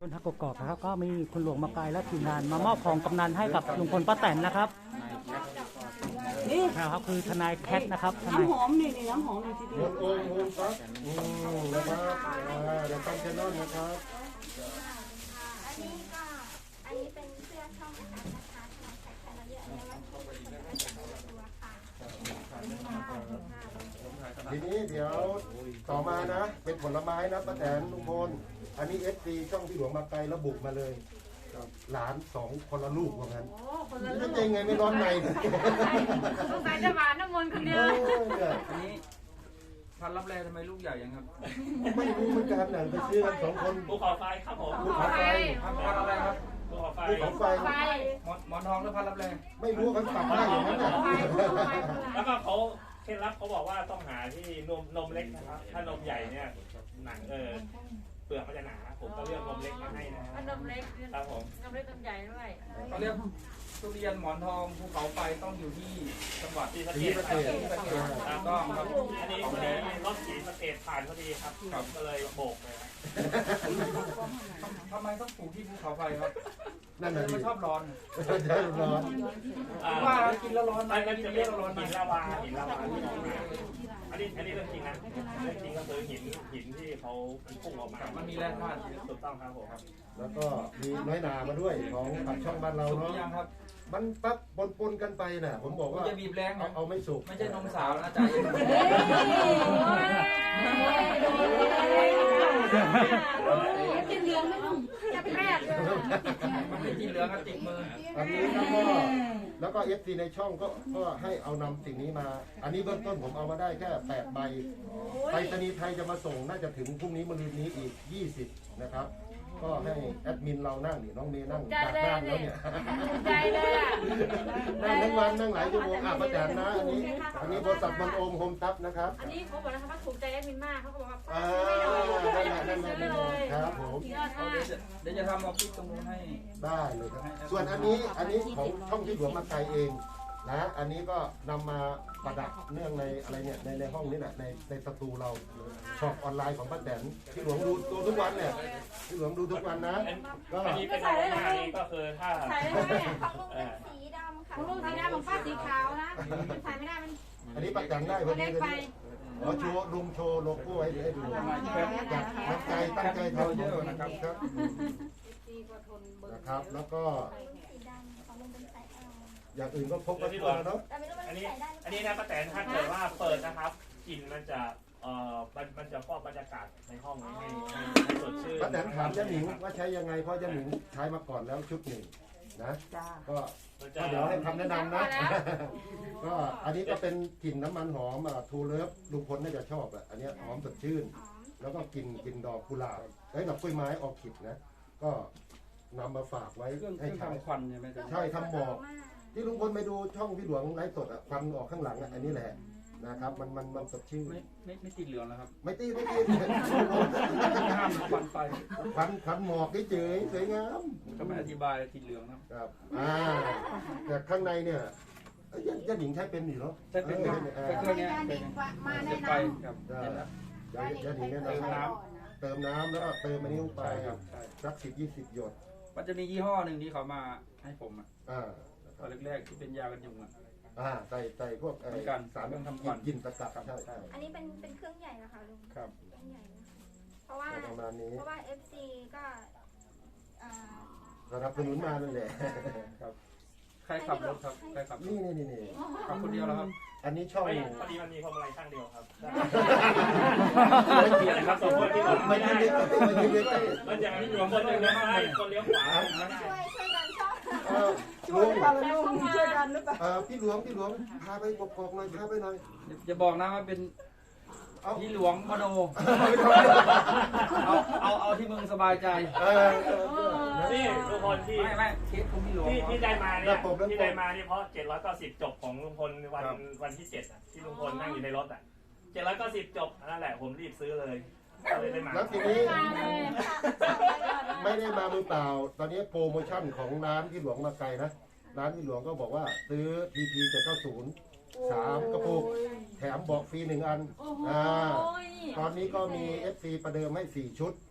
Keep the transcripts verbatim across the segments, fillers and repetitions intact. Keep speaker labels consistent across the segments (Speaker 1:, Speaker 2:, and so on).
Speaker 1: คนทักกอกนะครับก็มีคุณหลวงมาไกลและทีมงานมามอบของกำนันให้กับลุงพลป้าแตนนะครับนี่นะครับคือทนายแคทนะครับทนาย
Speaker 2: น้ำหอมนี่นี่น้ำหอมนี่ทีเดียว
Speaker 3: โอ้โหครับอืมนะครับอ่าเดี๋ยวตั้งแคนนอนนะครับ
Speaker 4: อันนี้ก็อันนี้เป็นเสื้อช่องอาจารย์นะคะทนายแขกเราเยอะเลยว่าที่เป็นตัวค่ะ
Speaker 3: ทีนี้เดี๋ยวต่อมานะ เป็นผลไม้นะป้าแตนลุงพลอันนี้เอฟซีช่องที่หลวงมาไกลระบุมาเลยหลานสองคนละลูกว่างั้นนี่จะยังไงไม่ร้อนในเลย
Speaker 2: สงสัยจะหวานน้ำมนต์คนเดียว
Speaker 5: อันนี้พันรับแรงทำไมลูกใหญ่ยังครับ
Speaker 3: ไม่รู้เหมือนกันนะไปซื้อกันสองคน
Speaker 6: ภูเขาไฟครับผม
Speaker 3: ภูเขาไฟ
Speaker 5: พันพันอะไรครับ
Speaker 6: ภูเขาไฟ
Speaker 3: ภูเขาไฟ
Speaker 5: หมอนหมอนทองหรือพันรับแรง
Speaker 3: ไม่รู้เขาตัดได้อย่างนั้นน่ะ
Speaker 6: แล้วก็เขาเคล็ดลับเขาบอกว่าต้องหาที่นมนมเล็กนะครับ ถ้านมใหญ่เนี่ยหนังเออเปลือกมันจะหนา ผมก็เลือกนมเล็กมาให้นะ
Speaker 2: นมเล็ก
Speaker 6: ครับผม
Speaker 2: นมเล็กนมใหญ่ด้วย
Speaker 5: เขาเรียกทุเรียนหมอนทองภูเขาไฟต้องอยู่ที่จังหวัด
Speaker 6: สีสะเก
Speaker 3: ที่
Speaker 6: ด
Speaker 3: ประ
Speaker 6: ค
Speaker 3: เท
Speaker 6: รับ
Speaker 3: ศ
Speaker 6: แล้วก็ครับอันนี้พอดีรถสีสะเกดผ่านพอดีครับก็เลยโบกเลยครับ
Speaker 5: ทำไมต้องปลูกที่ภูเขาไฟครับ
Speaker 3: นั่นน่ะดิ
Speaker 5: มันชอบร้อน
Speaker 3: เดี๋ยวร้อน
Speaker 6: อ่า
Speaker 5: ว่ากินแล้วร้อนไหม
Speaker 6: มันจะ
Speaker 5: กิน
Speaker 6: เป็
Speaker 5: แล้
Speaker 6: น
Speaker 5: วร้อนไหม
Speaker 6: หินลาวาหินลาวาที่ออกมาอันนี้อันนี้เรื่องจริงนะเรื่องจริงก็คือหินหินที่เขาพุ่งออกมา
Speaker 5: มันมีแร่ธาตุ
Speaker 6: ถูกต้องครับผมครับ
Speaker 3: แล้วก็มีน้อยนามาด้วยของปากช่องบ้านเรา
Speaker 5: สุกห
Speaker 3: เนาะ
Speaker 5: รือยังครับ
Speaker 3: มันปั๊บปนปนๆกันไปน่ะ ผมบอกว่า
Speaker 5: จะบีบแรง
Speaker 3: เอา
Speaker 5: นะ
Speaker 3: เอาไม่สุก
Speaker 5: ไม่ใช่นมสาวนะจ๊ะ
Speaker 2: กินเหลืองไม่ต้องจับแรกเลย
Speaker 5: มันไม่กินเหลืองครับติดมือ
Speaker 3: อันนี้แล้วก็แล้วก็เอฟซีในช่องก็ก็ให้เอานำสิ่งนี้มา อันนี้เบื้องต้นผมเอามาได้แค่แปดใบไปรษณีย์ไทยจะมาส่งน่าจะถึงพรุ่งนี้มะรืนนี้อีกยี่สิบนะครับ ก็ให้แอดมินเรานั่งนี่น้องเมย์นั่งจากด้านแล้วเนี่ย
Speaker 2: ใจเลยอ่ะ
Speaker 3: นั่งทั้งวันนั่งหลายชั่วโมงอ่ะประจานนะอันนี้ อันนี้บริษัทบอลโอมโฮมทัพนะครับ
Speaker 2: อันนี้เขาบอกนะคะว่าถูกใจแอดมินมากเขาบอกว่า
Speaker 3: อ่า
Speaker 2: ไม่
Speaker 3: นั่น
Speaker 2: ได้
Speaker 3: แหละ
Speaker 2: ไม่
Speaker 3: นั่นแหละ
Speaker 2: ซื้อ
Speaker 3: นั่น
Speaker 2: เล
Speaker 3: แหละ
Speaker 2: ย
Speaker 3: ครับผม
Speaker 2: ยอด
Speaker 5: เอา
Speaker 2: มาก
Speaker 5: เดี๋ยวจะเดี๋ยวจะทำออฟฟิศตรงนู้นให้
Speaker 3: ได้เลยครับ ส่วนอันนี้อันนี้ของช่องที่หลวงมาไกลเองนะอันนี้ก็นำมาประดับเนื่องในอะไรเนี่ยในในห้องนี้แหละในในสตูเราช็อปออนไลน์ของป้าแตนที่หลวงดูดูทุกวันเนี่ยที่หลวงดูทุกวันนะก็
Speaker 6: อันนี้เป็นอะไรหน้านี้ก็คือถ้า
Speaker 2: ใส่ได้ไหมเนี่ย
Speaker 4: ของลุงเป็นสีดำค่ะ
Speaker 2: ของลูกสีดำของป้าสีขาวนะใส่ไม่ได้มัน
Speaker 3: อันนี้ป้าแตนได้พอดี
Speaker 2: เล็ก
Speaker 3: เลย
Speaker 2: ไป
Speaker 3: ขอโชว์ลุงโชว์โลโก้ให้ให้ดูจากตั้งใจตั้งใจทำ
Speaker 5: เยอะนะครับ
Speaker 3: ครับ
Speaker 2: ดีกว่าทนเบิร์
Speaker 3: นะครับ แล้วก็
Speaker 4: สีดำของลุงเป็นสายเอา
Speaker 3: อย่างอื่นก็พกไว้ตัวแล้วเนาะ
Speaker 4: แต่ไม่รู้มัน
Speaker 6: อันนี้
Speaker 4: ใส่ได้หรือเป
Speaker 6: อัน
Speaker 4: ล่า
Speaker 6: นี้นะป้าแตนถ้าเกิดว่าเปิดนะครับกลิ่นมันจะเอ่อมันมันจะฟอกบรรยากาศในห้องให้ให้ให้สดชื่น
Speaker 3: ป้าแตนถามยะหนิงว่าใช้ยังไงเพราะยะหนิงใช้มาก่อนแล้วชุดหนึ่งนะก็
Speaker 6: มันจะ
Speaker 3: ก็เดี๋ยวให้คำแนะนำนะ ก็อันนี้ก็เป็นกลิ่นน้ำมันหอมอ่ะทูเลิฟลุงพลน่าจะชอบอ่ะอันเนี้ยหอมสดชื่น แล้วก็กลิ่นกลิ่นดอกกุหลาบไอ้ยดอกกล้วยไม้ออร์คิดนะ ก็นำมาฝากไว้
Speaker 5: เครื่องเค
Speaker 3: ให้
Speaker 5: รื่อง
Speaker 3: ใช้
Speaker 5: ทำควันใช่ไหมจ๊ะ
Speaker 3: ใช่ทำหมอกที่ลุงพลไปดูช่องพี่หลวงไลฟ์สดอ่ะควันออกข้างหลังอ่ะอันนี้แหละนะครับ มันมันมันสดชื่น
Speaker 5: ไม่ไม่ไม่ติดเหลืองแล้วครับ
Speaker 3: ไม่ตีไม่ตี
Speaker 5: ห้ามควันไฟ
Speaker 3: ควันควันหมอกเฉยๆสวยงาม
Speaker 5: ก็ไม่อธิบายติดเหลืองนะครับ
Speaker 3: ครับอ่าแต่ข้างในเนี่ยเอ้ยยันหญิงใช้เป็นอยู่เนาะ
Speaker 5: ใช่เป็น
Speaker 3: อ
Speaker 5: เค
Speaker 3: อ
Speaker 5: รื่อง
Speaker 3: เออ
Speaker 5: เครื่องนี้เป็น
Speaker 2: มาแน่
Speaker 5: เสียบ
Speaker 2: น
Speaker 5: ไป
Speaker 2: อน
Speaker 5: ครับ
Speaker 3: ได้
Speaker 5: เห็นแล้ว
Speaker 3: เดี๋ยวยันหญิงแนะ
Speaker 5: เติม
Speaker 3: นำให้
Speaker 5: น้
Speaker 3: เติมน้ำแล้วก็เติมอันนี้ลงไป
Speaker 5: ใช่ครับใช่
Speaker 3: สักสิบยี่สิบหยด
Speaker 5: มันจะมียี่ห้อหนึ่งที่เขามาให้ผมอ่ะ
Speaker 3: อ่า
Speaker 5: ตอนแรกๆที่เป็นยากันยุงอ่ะ
Speaker 3: อ่าใส่ใส่พวกไอ้
Speaker 5: เหมือนกัน
Speaker 3: สาร
Speaker 5: เครื่องทำค
Speaker 3: กิ
Speaker 5: วัน
Speaker 3: นกินสกัดใช่ใช่
Speaker 4: อันนี้เป็นเป็นเครื่องใหญ่นะคะลุง
Speaker 5: ครับ
Speaker 4: เครื่องใหญ่นะเพราะว่า
Speaker 3: ก็ประมาณนี้
Speaker 4: เพราะว่า เอฟ ซี ก็อ่า
Speaker 3: สนับสนุนมานั่นแหละ
Speaker 5: ครับใครขับรถครับใครขับรถ
Speaker 3: นี่นี่นี่นี่
Speaker 5: ขับคนเดียวแล้วครับ
Speaker 3: อันนี้ช่อง
Speaker 6: ไม่พอดีมันมีพวงมาลัยข้างเดียวครับ
Speaker 3: ไม่เกี่ยว
Speaker 6: ครับสองคนที่ผม
Speaker 3: ไม่
Speaker 6: ไม่
Speaker 3: ยื
Speaker 6: ได้
Speaker 3: นไม่ยืนเลย
Speaker 6: มันจะมีคนหนึ่งเลี้ยวซ้ายคนเลี้ยวขวาไม่ได้
Speaker 4: ช่วยช่วยกันชอบ
Speaker 3: เออ
Speaker 2: ช่วยกันลุงช่วยกันหรือเปล่า
Speaker 3: เออพี่หลวงพี่หลวงพาไปกกอกหน่อยพาไปหน่อย
Speaker 5: อย่าบอกนะว่าเป็น
Speaker 3: เอา
Speaker 5: พี่หลวงมโนเอาเอาเอาที่มึงสบายใจ
Speaker 3: เออเออเออนะ
Speaker 6: นี่ทุกคนที่
Speaker 5: ไม่ไม่เคสของพี่หลวง
Speaker 6: ที่ที่ได้มาเนี่ย
Speaker 3: แล้วผมแล้วผม
Speaker 6: ที่ได้มาเนี่ยเพราะเจ็ดร้อยเก้าสิบจบของลุงพลวันวันที่เจ็ดอ่ะที่ลุงพลนั่งอยู่ในรถอ่ะเจ็ดร้อยเก้าสิบจบนั่นแหละผมรีบซื้อเลยก็เลยได้มา
Speaker 3: แล้วทีนี้ไม่ได้มามือเปล่า ตอนนี้โปรโมชั่นของร้านพี่หลวงมาไกลนะร้านพี่หลวงก็บอกว่าซื้อ พี พี เจ็ดเก้าศูนย์ สามกระปุกแถมเบอกฟรีหนึ่งอันอ่าตอนนี้ก็มี เอฟ ซี ประเดิมให้สี่ชุด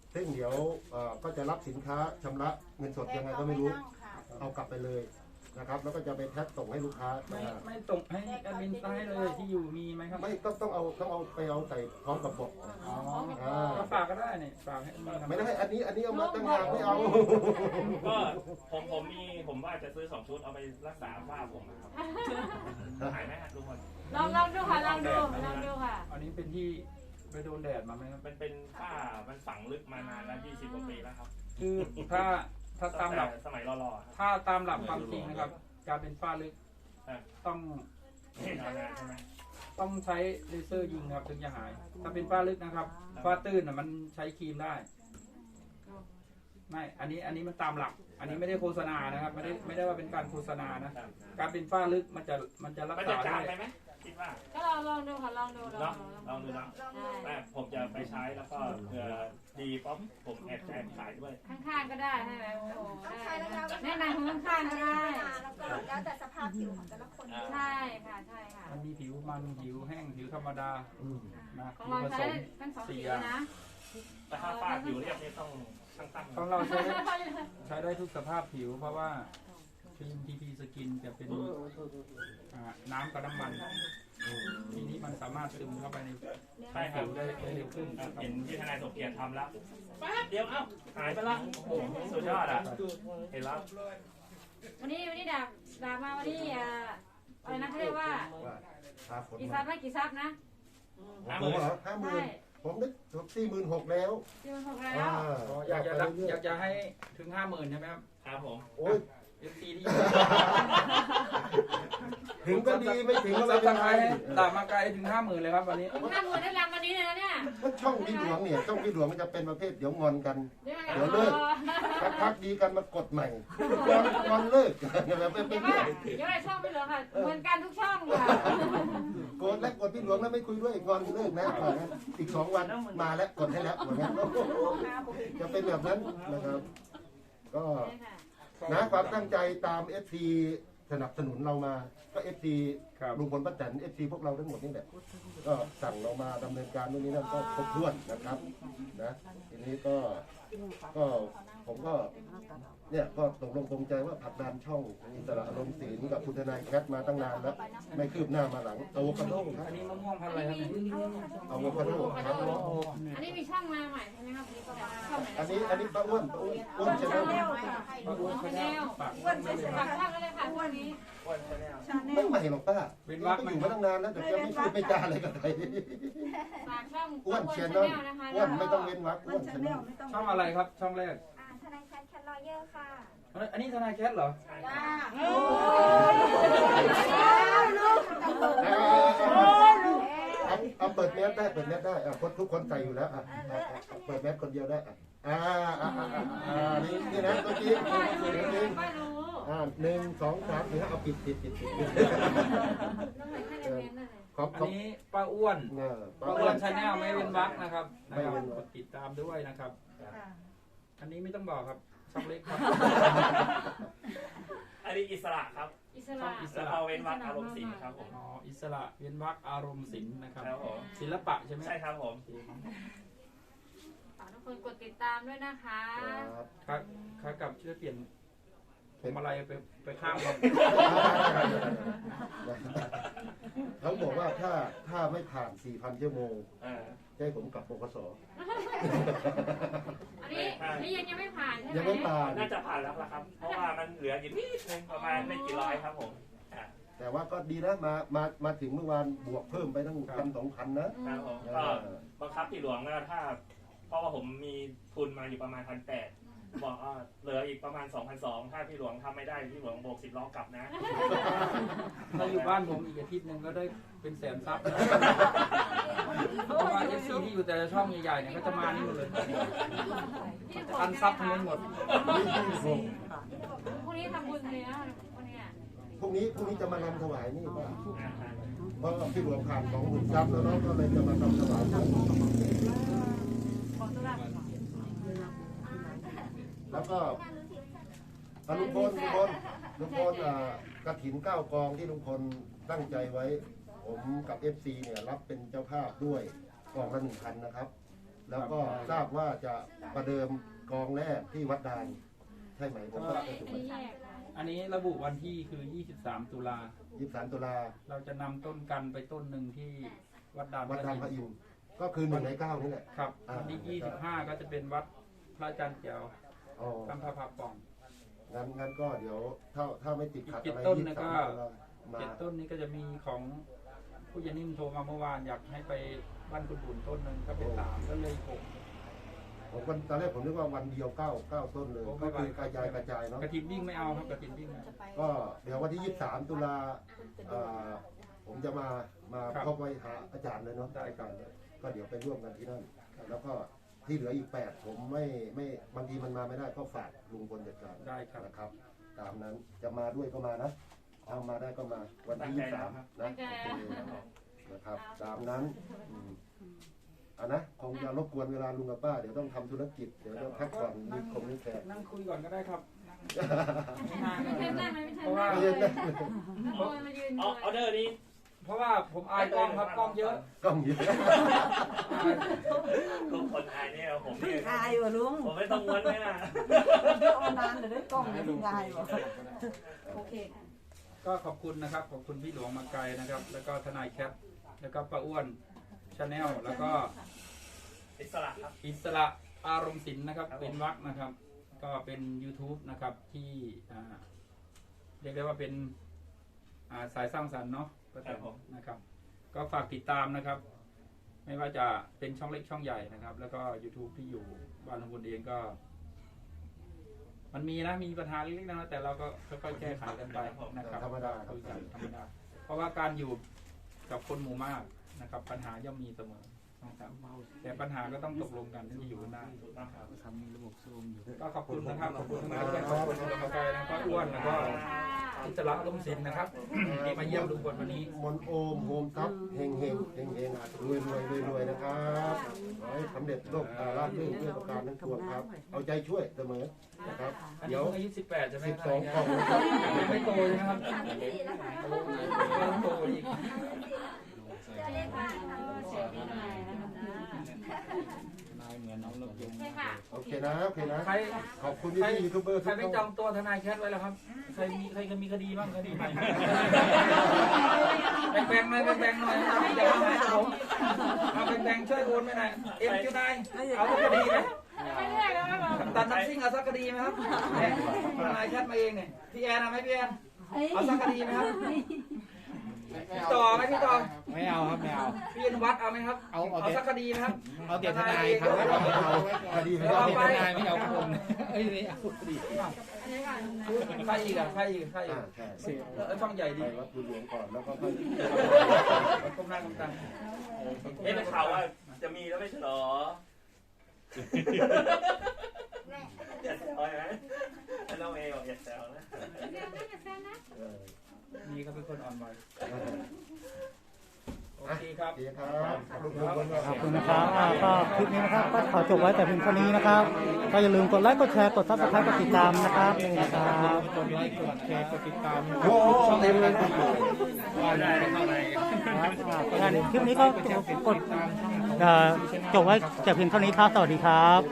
Speaker 3: ซึ่งเดี๋ยวเอ่อก็จะรับสินค้าชำระเงินสดยังไงก็ไม่รู้ เอากลับไปเลยนะครับ แล้วก็จะไปแพ็คส่งให้ลูกค้า
Speaker 5: ไม่
Speaker 3: นะฮะ
Speaker 5: ไม่ส่งให้แอดมินซ้ายเลยที่อยู่มีไหมครับ
Speaker 3: ไม่ต้องต้องเอาต้องเอาไปเอาใส่พร้อมกับบอกนะ
Speaker 5: อ๋อ
Speaker 3: อ่า
Speaker 5: ก็ฝากก็ได้นี่ฝากให้มีนะ
Speaker 3: ไม่ได้อันนี้อันนี้เอามาตั้งหากไม่เอา
Speaker 6: ก็ผมผมมีผมว่าจะซื้อสองชุดเอาไปรักษาฝ้าผมนะครับหายไหมฮะทุกคน
Speaker 2: ลองลองดูค่ะลองดูลองดูค่ะ
Speaker 5: อันนี้เป็นที่ไปโดนแดดมาไหมครับ
Speaker 6: มันเป็นฝ้ามันฝังลึกมานานแล้วยี่สิบกว่าปีแล้วครับ
Speaker 5: คือถ้าถ้าตามหลัก
Speaker 6: สมัยรอๆครับ
Speaker 5: ถ้าตามหลักความจริงนะครับ การเป็นฝ้าลึก
Speaker 6: ครับ
Speaker 5: ต้อง
Speaker 6: เห็นเอานานใช่ไหม
Speaker 5: ต้องใช้เลเซอร์ยิงครับถึงจะหาย ถ้าเป็นฝ้าลึกนะครับฝ้าตื้นน่ะมันใช้ครีมได้ ไม่ อันนี้อันนี้มันตามหลัก อันนี้ไม่ได้โฆษณานะครับ ไม่ได้ไม่ได้ว่าเป็นการโฆษณานะ
Speaker 6: ครับ
Speaker 5: การเป็นฝ้าลึกมันจะมันจะรัก
Speaker 6: มัน
Speaker 5: ษา
Speaker 6: จะจา
Speaker 5: ได้
Speaker 6: งไปไหมคิดว่า
Speaker 2: ก็ลองลองดูค่ะลองดูลอ
Speaker 6: เนาะ
Speaker 2: งดู
Speaker 6: ลองดูเนาะ
Speaker 2: ใช่
Speaker 6: แม่ผมจะไปใช้แล้วก็เผื่อดีป๊อปผมแอบแอบขายด้วย
Speaker 2: ข้างๆก็ได้ใช่ไหมโอ้โห
Speaker 4: ต้อง
Speaker 2: ได้
Speaker 4: ใช้ระยะเวลา
Speaker 2: แนะนำข้างๆก็ได้
Speaker 4: แล้วก็แล้วแต่สภาพผิวของแต่ละคนด้วย
Speaker 2: ใช่ค่ะใช่ค่ะ
Speaker 5: มันมีผิวมันผิวแห้งผิวธรรมดานะ
Speaker 2: ของ
Speaker 5: ผิว
Speaker 2: เรา
Speaker 5: ผส
Speaker 2: ใช้
Speaker 5: ม
Speaker 2: ทั้งสองสี
Speaker 5: สี่อย่าง
Speaker 2: นะ
Speaker 6: แต่ถ้าฝ้าผิวเรียบนี่ต้องตั้งตั้ง
Speaker 5: ของเราใช้ได้ใช้ได้ทุกสภาพผิว เพราะว่าครีมทีพีสกินจะเป็นอ่าน้ำกับน้ำมันทีนี้มันสามารถซึมเข้าไปใน
Speaker 6: ใช่ครั
Speaker 5: ผิ
Speaker 6: บ
Speaker 5: วได้ได้เร็วขึ้น
Speaker 6: ครับเห็นที่ทนายสมเกียรติทำแล้วแป๊บเดียวเอ้าหายไปละโอ้โหสุดยอดอ่ะเห็นแล้ว
Speaker 2: วันนี้วันนี้ดาบดาบมาวันนี้อ่าอะไรนะเขาเรียกว่า
Speaker 3: ว่าพาฝน
Speaker 2: กี่ซั
Speaker 3: มา
Speaker 2: บไหมกี่ซับนะ
Speaker 3: ผมเหรอห้าหมื่น
Speaker 2: ใช่
Speaker 3: ผมได้สี่หมื่นหกแล้ว
Speaker 2: ที่มันหกแล้
Speaker 3: อ่าว
Speaker 5: อ๋ออยากจะรับอยากจะให้ถึงห้าหมื่นใช่ไหมครับ
Speaker 6: ครับผม
Speaker 3: โอ้ย
Speaker 5: เอฟซีที่
Speaker 3: ถึงก็ดีไม่ถึงก็
Speaker 5: ซั
Speaker 3: ไม่
Speaker 5: บ
Speaker 3: เป็น
Speaker 5: สไค
Speaker 3: ไร
Speaker 5: รต์ตามมาไกลถึงห้าหมื่นเลยครับวันนี้
Speaker 2: ถึงห้าหมื่นได้รำวันนี้เลยนะเนี่ย
Speaker 3: เพราะช่องพี่หลวงเนี่ยช่องพี่หลวงมันจะเป็นประเภทเดี๋ยวงอนกัน
Speaker 2: เดี๋ยว
Speaker 3: เดี๋ยวเลิก สักพักดีกันมากดใหม่งอนงอนเลิกแบบเป็น
Speaker 2: เดี๋ยว
Speaker 3: เรื่
Speaker 2: ว่า
Speaker 3: อย
Speaker 2: เดี๋ยวว่าช่องไม่เหลือค่ะ เหมือนกันทุกช่องค่ะ
Speaker 3: โกรธแล้วกดพี่หลวงแล้วไม่คุยด้วยงอนเลิกนะว่างั้นอีกสองวันมาแล้วกดให้แล้วว่างั้นจะเป็นแบบนั้นนะครับ ก็ นะความตั้งใจตาม เอฟ ซี สนับสนุนเรามาก็ เอฟ ซี
Speaker 5: ครับ
Speaker 3: ลุงพลป้าแตน เอฟ ซี พวกเราทั้งหมดนี่แหละก็สั่งเรามาดำเนินการนู่นนี่นั่นก็ครบถ้วนนะครับนะทีนี้ก็ก็ผมก็เนี่ยก็ตกลงปรงใจว่าผลักดันช่องอิสระอารมณ์ศิลป์กับคุณทนายแคทมาตั้งนานแล้วไม่คืบหน้ามาหลังอะโวคาโดครับ
Speaker 5: อันนี้มะม่วงพันธุ์อะไรครับ
Speaker 3: อะโวคาโดครับ
Speaker 2: อันนี้มีช่องมาใหม่ใช่ไหมครับช่องไหน
Speaker 3: อันนี้อันนี้ป้าอ้วนป้าอ้วนอ้วนใช่ไหม
Speaker 5: ปลาอ้วน
Speaker 2: ชา
Speaker 5: เขา
Speaker 2: แน
Speaker 5: เนี่ย
Speaker 2: ล
Speaker 5: ปาก
Speaker 2: ฝากช่องก็เลยค่ะช่องนี้
Speaker 3: ไม่ใหม่หรอกป้าก็อยู่มาตั้งนานแล้วแต่จะไม่พูดไม่จาอะไรกับใคร
Speaker 2: ฝากช่อง
Speaker 3: อ้วนเชียน
Speaker 2: ชา
Speaker 3: เนาะ
Speaker 2: แนลนะคะ
Speaker 3: อ้วนไม่ต้องเว้นวรรคอ้วนเชียนเนาะ
Speaker 5: ช่องอะไรครับ ช่องแรก
Speaker 4: อ่าทนายแคทแคทลอเยอร์ค่ะ
Speaker 5: เอ้ยอันนี้ทนายแคทเหรอ
Speaker 4: จ้า
Speaker 3: เอาเอาเปิดแมสได้เปิดแมสได้อ่ะคนทุกคนใส่อยู่แล้วอ่ะอ่ะอ่ะเปิดแมสคนเดียวได้อ่ะอ่าอ่าอ่าอ่าอ่านี่นี่นะตัวจริง
Speaker 2: ป้า
Speaker 3: ตัว
Speaker 2: รู้
Speaker 3: จริง
Speaker 2: ป้ารู้
Speaker 3: อ่าหนึ่งสองสามสี่ห้าเอาปิดปิดปิดปิดปิด
Speaker 2: ต้องไหนให้เรียนนั่นเลย
Speaker 3: ขอบ
Speaker 5: อั
Speaker 3: ข
Speaker 5: น
Speaker 3: อบ
Speaker 5: นี้ป้าอ้วน
Speaker 3: เออ
Speaker 5: ป้าอ้วนชาแนลไม่เว้นวรรคนะครับ
Speaker 3: ไม่
Speaker 5: นะครับ
Speaker 3: เว้นวรรค
Speaker 5: กดติดตามด้วยนะครับ อันนี้ไม่ต้องบอกครับ ช่องเล็กครับ
Speaker 6: อันนี้อิสระครับ
Speaker 2: อิสระ
Speaker 5: อิส
Speaker 6: แล้ว
Speaker 5: ระ
Speaker 6: เอาเว้นวรรคอารมณ์ศิลป์ครับผม
Speaker 5: อ๋ออิสระเว้นวรรคอารมณ์ศิลป์นะครับ
Speaker 6: ครับผม
Speaker 5: ศิลปะใช่ไหม
Speaker 6: ใช่ครับผม
Speaker 2: ฝากทุกคนกดติดตามด้วยนะคะ
Speaker 3: ครับ
Speaker 5: ครับครับกับช่วยเปลี่ยนผมอะไรไปไปข้างเรา
Speaker 3: เขาบอกว่าถ้าถ้าไม่ผ่านสี่พันชั่วโมง
Speaker 6: เออ
Speaker 3: จะให้ผมกลับปกส
Speaker 2: อันนี้อันนี้ยังยังไม่ผ่านใช่ไหม
Speaker 3: ยังไม่ผ่าน
Speaker 6: น่าจะผ่านแล้วละครับ เพราะว่ามันเหลืออยู่นิดนึงประมาณไม่กี่ร้อยครับผมอ่ะ
Speaker 3: แต่ว่าก็ดีนะมามามาถึงเมื่อวานบวกเพิ่มไปตั้งพันสองพันนะครับ
Speaker 6: ผมก็บังคับที่หลวงนะถ้า เพราะว่าผมมีทุนมาอยู่ประมาณพันแปดบอกว่าเหลืออีกประมาณสองพันสองถ้าพี่หลวงทำไม่ได้พี่หลวงโบกสิบล้อกลับนะ
Speaker 5: ถ้าอยู่บ้านผมอีกอาทิตย์หนึ่งก็ได้เป็นแสนซับเพราะว่าเอฟซีที่อยู่แต่ละช่องใหญ่ๆเนี่ยก็จะมานี่หมดเลยอันซับทั้งนั้นหมด
Speaker 2: พรุ่งนี้ทำบุญเลยนะพรุ่งนี้
Speaker 3: พรุ่งนี้พรุ่งนี้จะมานำถวายนี่ป่ะเพราะพี่หลวงผ่านสองหมื่นซับแล้วเนาะก็เลยจะมานำถวายแล้วก็อ่ะลุงพลลุงพลลุงพลอ่ากระถินเก้ากองที่ลุงพลตั้งใจไว้ ผมกับ เอฟ ซี เนี่ยรับเป็นเจ้าภาพด้วยกองละหนึ่งพันนะครับแล้วก็ทราบว่าจะประเดิมกองแรกที่วัดดานใช่ไหมผมก็จะถูก
Speaker 2: อันนี้แยก
Speaker 5: อันนี้ระบุวันที่คือ ยี่สิบสาม ตุลา
Speaker 3: ยี่สิบสามตุลา
Speaker 5: เราจะนำต้นกันไปต้นหนึ่งที่วัดดาน
Speaker 3: วัดดานพระอินทร์ก็คือหนึ่งในเก้านี่แหละ
Speaker 5: ครับ
Speaker 3: อ่า
Speaker 5: วันที่ยี่สิบห้าก็จะเป็นวัดพระอาจารย์เจียว
Speaker 3: อ๋อ
Speaker 5: ตั้งพระพักตร์ป่อง
Speaker 3: งั้นงั้นก็เดี๋ยวถ้าถ้าไม่ติดขัด
Speaker 5: อีก
Speaker 3: อะไร
Speaker 5: เจ็ดต้น
Speaker 3: ยี่
Speaker 5: นะ
Speaker 3: สิบ
Speaker 5: ก็
Speaker 3: สามตุลามา
Speaker 5: เจ็ดต้นนี้ก็จะมีของผู้ยานิ่มโทรมาเมื่อวานอยากให้ไปบ้านคุณบุญต้นหนึ่งก็เป็นสามก็เลยหก
Speaker 3: ผมวันตอนแรกผมนึกว่าวันเดียวเก้าเก้าต้นเลยก็คือกระจายกระจายเนาะ
Speaker 5: กระถินวิ่งไม่เอาครับกระถินวิ่งไม่เอา
Speaker 3: ก็เดี๋ยววันที่ยี่สิบสามตุลาเอ่อผมจะมามา
Speaker 5: ครับ
Speaker 3: พบไว้หาอาจารย์เลยเนาะ
Speaker 5: ได้ครับ
Speaker 3: อาจารย์ก็เดี๋ยวไปร่วมกันที่นั่นแล้วก็ที่เหลืออีกแปดผมไม่ไม่บางทีมันมาไม่ได้ก็ฝากลุงพลจัดการ
Speaker 5: ได้ครับ
Speaker 3: นะครับ ตามนั้นจะมาด้วยก็มานะเอามาได้ก็มาวันที่ยี่สิบสามนะโอเคนะครับตามนั้นอืมอ่ะนะคงจะรบกวนเวลาลุงกับป้าเดี๋ยวต้องทำธุรกิจเดี๋ยวจะพักผ่อนมีคงมีแขก
Speaker 5: นั่งคุยก่อนก็ได้ครับ
Speaker 2: ไม่ใช่นั่งไม่ใช่
Speaker 5: เพราะว่า
Speaker 2: นั่ง
Speaker 3: ไม่ใช่นะ
Speaker 2: โอ้ยมายืน
Speaker 6: ออเดอร์นี้
Speaker 5: เพราะว่าผมอายกล้องครับกล้องเยอะ
Speaker 3: กล้องเยอะ
Speaker 6: ทุกคนอายเนี่ยผมเนี่ย
Speaker 7: อายว่ะลุง
Speaker 6: ผมไม่ต้องม้วนไม่น่ะ
Speaker 7: เอานานเดี๋ยวได้กล้องจะงายว่ะโอเค
Speaker 5: ก็ขอบคุณนะครับขอบคุณพี่หลวงมาไกลนะครับ แล้วก็ทนายแคปแล้วก็ป้าอ้วนชาแนลแล้วก็
Speaker 6: อิสระครับ
Speaker 5: อิสระอารมณ์ศิลป์นะครับเป็นวักนะครับ ก็เป็น YouTube นะครับที่อ่าเรียกได้ว่าเป็นอ่าสายสร้างสรรค์เนาะก็แต่นะครับ ก็ฝากติดตามนะครับ ไม่ว่าจะเป็นช่องเล็กช่องใหญ่นะครับ แล้วก็ YouTube ที่อยู่บ้านลุงพลเองก็ มันมีนะมีปัญหาเล็กๆนะแต่เราก็ค่อยๆแก้ไขกันไปนะครับ
Speaker 3: ธรรมดาครับ
Speaker 5: คุยกันธรรมดาเพราะว่าการอยู่กับคนหมู่มากนะครับ ปัญหาย่อมมีเสมอนะครับแต่ปัญหาก็ต้องตกลงกันที่จะอยู่กันได้นะครับทำมีระบบซูมอยู่ก็ขอบคุณนะครับขอบคุณนะครับขอบคุณขอบคุณนะครับก็อ้วนแล้วก็อิสระร่มศิลป์นะครับที่มาเยี่ยมลุงพลวันนี้
Speaker 3: มนโอมโฮมทับเฮงเฮงเฮงเฮงรวยรวยรวยรวยนะครับขอให้สำเร็จโลกตาราบรื่นด้วยประการทั้งปวงครับ เอาใจช่วยเสมอนะครับ
Speaker 5: อันนี้
Speaker 3: เดี๋ยว
Speaker 5: เพิ่งอายุสิบแปดใช่ไหม
Speaker 3: สิบสองกล่องนะครับ
Speaker 5: ยังไม่โตเลยนะครับ
Speaker 4: สามสิบสี่แล้วค่ะ
Speaker 5: ยังโตอีก
Speaker 4: จะเรียกว่าทำ
Speaker 2: เสียงดีหน่อยนะคะ
Speaker 5: นายเหมือนน้องนกยุง
Speaker 2: ใช่ค่ะ
Speaker 3: โอเคนะโอเคนะ
Speaker 5: ใคร
Speaker 3: ขอบคุณพี่พี่ยูทูบเบอร์
Speaker 5: ใคร
Speaker 3: ทุก
Speaker 5: ไม่จ
Speaker 3: ท่า
Speaker 5: อน งตัวทนายแคทไว้แล้วครับ ใครมีใครมีคดีบ้างคดีใหม่แบ่งๆหน่อยแบ่งๆหน่อยอย่ามาหาผมเอาแบ่งๆช่วยโอนไปหน่อยเอ็มจูนายเอาสักคดีไหม
Speaker 2: ไม่เรียกแล้วครับ
Speaker 5: ตัดน้ำซิ่งเอาสักคดีไหมครับเนี่ยทนายแคทมาเองเนี่ยพี่แอนเอาไหมพี่แอนเอาสักคดีไหมครับพี่ต่อไหมพี่ต่อ
Speaker 8: ไม่เอาครับไม่เอา
Speaker 5: พี่อนุวัฒน์เอาไหมครับ
Speaker 8: เอาเอา
Speaker 5: เอาสักคดีไหมครับ
Speaker 8: เอาเดี๋ยวทนายครับ
Speaker 3: เอาเอาคดี
Speaker 5: เดี๋ยว
Speaker 3: เอา
Speaker 5: เอาไป
Speaker 8: ทนายไม่เอาคนเอ้ยนี่เอาคดี
Speaker 2: อันนี้ก่อน
Speaker 5: ใครอีกอ่ะใครอีกใครอี
Speaker 3: อ่าก ใช่
Speaker 5: เออช่องใหญ่
Speaker 3: ไป
Speaker 5: ดี
Speaker 3: วัดบุญหลวงก่อนแล้วก็ค่อย
Speaker 5: ก้มหน้าก้มตา
Speaker 6: เอ๊ะเป็นข่าวว่าจะมีแล้วไม่ใช่เหรอ
Speaker 4: แม่
Speaker 6: อย่าแซวนะถ้าน้องเอบอกอย่าแซวนะ
Speaker 2: เรียกนะอย่าแซงนะ
Speaker 3: เออ
Speaker 5: นี่เขาเป็นคนอ่อนไหว
Speaker 3: เออ
Speaker 5: โอเคครับ
Speaker 3: โอเคครับลุงพลก็
Speaker 1: ขอบคุณนะครับอ่าก็คลิปนี้นะครับก็ขอจบไว้แต่เพียงเท่านี้นะครับ ก็อย่าลืมกดไลค์กดแชร์กดซับสไครต์กดติดตามนะครับนี่นะครับ
Speaker 8: กดไลค์กดแชร์กดติดตาม
Speaker 3: โอ้ช่องเต็มเลยครับ
Speaker 8: ว่าได้เข้าไป
Speaker 1: ครับอ่างั้นคลิปนี้ก็กดเอ่อจบไว้แต่เพียงเท่านี้ครับสวัสดีครับ